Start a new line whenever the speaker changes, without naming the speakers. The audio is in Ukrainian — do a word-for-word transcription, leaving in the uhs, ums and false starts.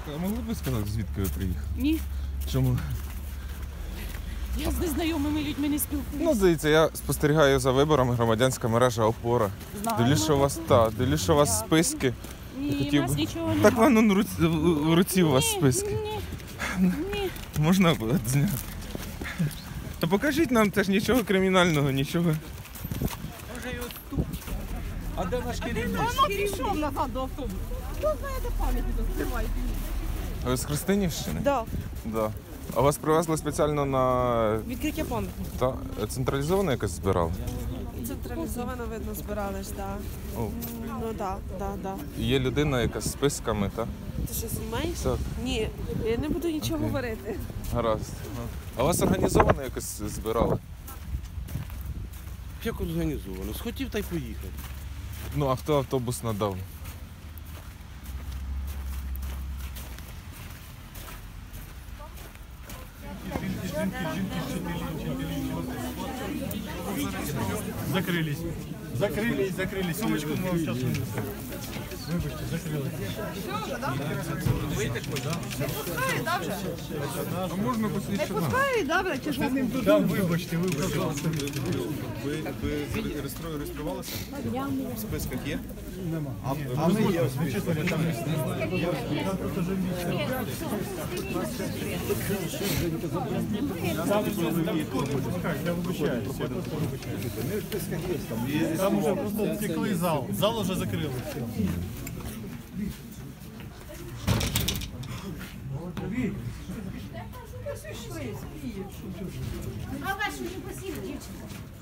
а могли б ви сказати, звідки ви приїхали?
Ні.
Чому?
Я з незнайомими людьми не спілкуюся.
Ну, дивіться, я спостерігаю за виборами, громадянська мережа «Опора».
Знаю.
Дивлюсь, що у вас, та, дивлюсь, що у вас списки.
Ні,
хотів
у нас
би-
нічого немає.
Так воно в руці, в руці у вас списки.
Ні, ні.
Можна буде зняти? Та покажіть нам теж нічого кримінального, нічого.
А де наш керівник?
Воно пішов назад до автобусу. Хто знає, де пам'ятник відкривають?
А ви з Христинівщини?
Да,
Да. А вас привезли спеціально на
відкриття пам'ятника.
та, централізовано якось збирали?
Централізовано, видно, збирались, так.
О.
Ну так, так, так.
Є людина, яка з списками, так?
Ти що, знімаєш?
Так.
Ні, я не буду нічого
Окей.
говорити.
Гаразд. А вас організовано якось збирали?
Як організовано? Схотів та й поїхав.
Ну, а хто автобус надав?
Закрылись. Закрылись, закрылись. Сумочку мы вам сейчас вынесем. Вибачте, закрылись.
А можна посвідчити?
Да, вибачте, вибачте.
Ви, ви реєстру- реєструвалися? В списках є?
Нема.
А, а ми є.
Вичислили там місце. Я вибачаюсь. Я просто вибачаюсь. Там уже просто втекли зал. Зал уже закрили. Все.
А вашу не посів, дівчинка.